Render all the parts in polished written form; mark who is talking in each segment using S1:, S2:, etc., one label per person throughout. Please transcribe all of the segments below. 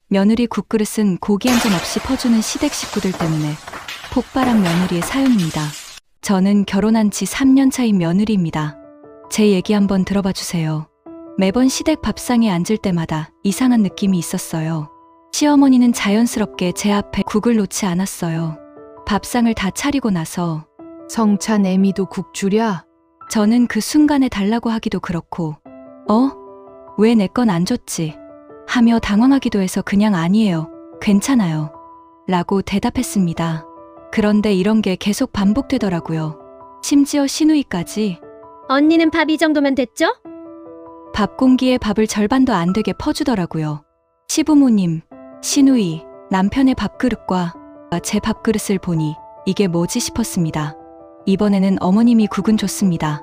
S1: 며느리 국그릇은 고기 한 점 없이 퍼주는 시댁 식구들 때문에 폭발한 며느리의 사연입니다. 저는 결혼한 지 3년 차인 며느리입니다. 제 얘기 한번 들어봐 주세요. 매번 시댁 밥상에 앉을 때마다 이상한 느낌이 있었어요. 시어머니는 자연스럽게 제 앞에 국을 놓지 않았어요. 밥상을 다 차리고 나서
S2: 성찬 애미도 국 주랴?
S1: 저는 그 순간에 달라고 하기도 그렇고 왜 내 건 안 줬지? 하며 당황하기도 해서 그냥 아니에요. 괜찮아요. 라고 대답했습니다. 그런데 이런 게 계속 반복되더라고요. 심지어 시누이까지
S3: 언니는 밥 이 정도면 됐죠?
S1: 밥 공기에 밥을 절반도 안 되게 퍼주더라고요. 시부모님, 시누이, 남편의 밥그릇과 제 밥그릇을 보니 이게 뭐지 싶었습니다. 이번에는 어머님이 국은 줬습니다.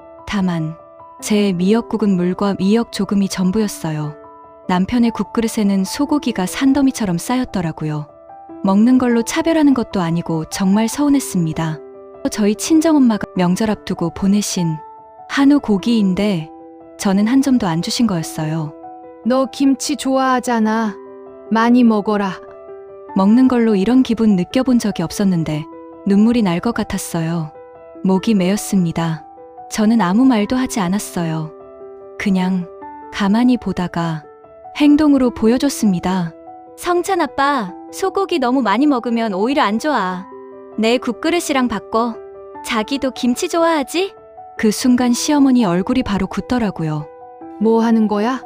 S1: 다만 제 미역국은 물과 미역 조금이 전부였어요. 남편의 국그릇에는 소고기가 산더미처럼 쌓였더라고요. 먹는 걸로 차별하는 것도 아니고 정말 서운했습니다. 저희 친정엄마가 명절 앞두고 보내신 한우 고기인데 저는 한 점도 안 주신 거였어요.
S2: 너 김치 좋아하잖아. 많이 먹어라.
S1: 먹는 걸로 이런 기분 느껴본 적이 없었는데 눈물이 날 것 같았어요. 목이 메었습니다. 저는 아무 말도 하지 않았어요. 그냥 가만히 보다가 행동으로 보여줬습니다. 성찬 아빠, 소고기 너무 많이 먹으면 오히려 안 좋아. 내 국그릇이랑 바꿔. 자기도 김치 좋아하지? 그 순간 시어머니 얼굴이 바로 굳더라고요.
S2: 뭐 하는 거야?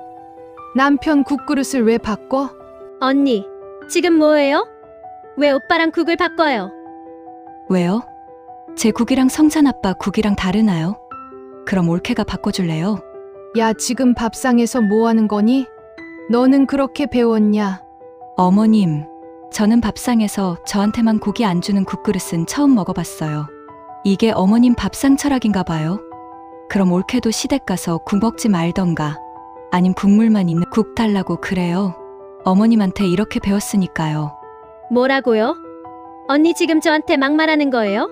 S2: 남편 국그릇을 왜 바꿔?
S3: 언니, 지금 뭐예요? 왜 오빠랑 국을 바꿔요?
S1: 왜요? 제 국이랑 성찬 아빠 국이랑 다르나요? 그럼 올케가 바꿔줄래요?
S2: 야, 지금 밥상에서 뭐 하는 거니? 너는 그렇게 배웠냐?
S1: 어머님, 저는 밥상에서 저한테만 고기 안 주는 국그릇은 처음 먹어봤어요. 이게 어머님 밥상 철학인가 봐요. 그럼 올케도 시댁 가서 국 먹지 말던가 아님 국물만 있는 국 달라고 그래요. 어머님한테 이렇게 배웠으니까요.
S3: 뭐라고요? 언니 지금 저한테 막말하는 거예요?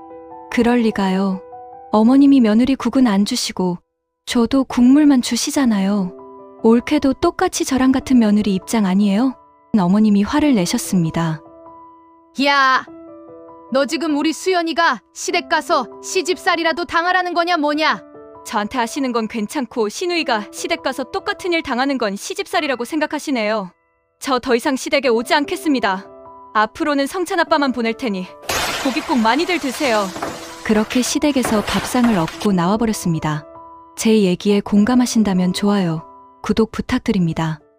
S1: 그럴 리가요. 어머님이 며느리 국은 안 주시고 저도 국물만 주시잖아요. 올케도 똑같이 저랑 같은 며느리 입장 아니에요? 어머님이 화를 내셨습니다.
S2: 야! 너 지금 우리 수연이가 시댁 가서 시집살이라도 당하라는 거냐 뭐냐?
S1: 저한테 하시는 건 괜찮고 시누이가 시댁 가서 똑같은 일 당하는 건 시집살이라고 생각하시네요. 저 더 이상 시댁에 오지 않겠습니다. 앞으로는 성찬 아빠만 보낼 테니 고기 꼭 많이들 드세요. 그렇게 시댁에서 밥상을 얻고 나와버렸습니다. 제 얘기에 공감하신다면 좋아요, 구독 부탁드립니다.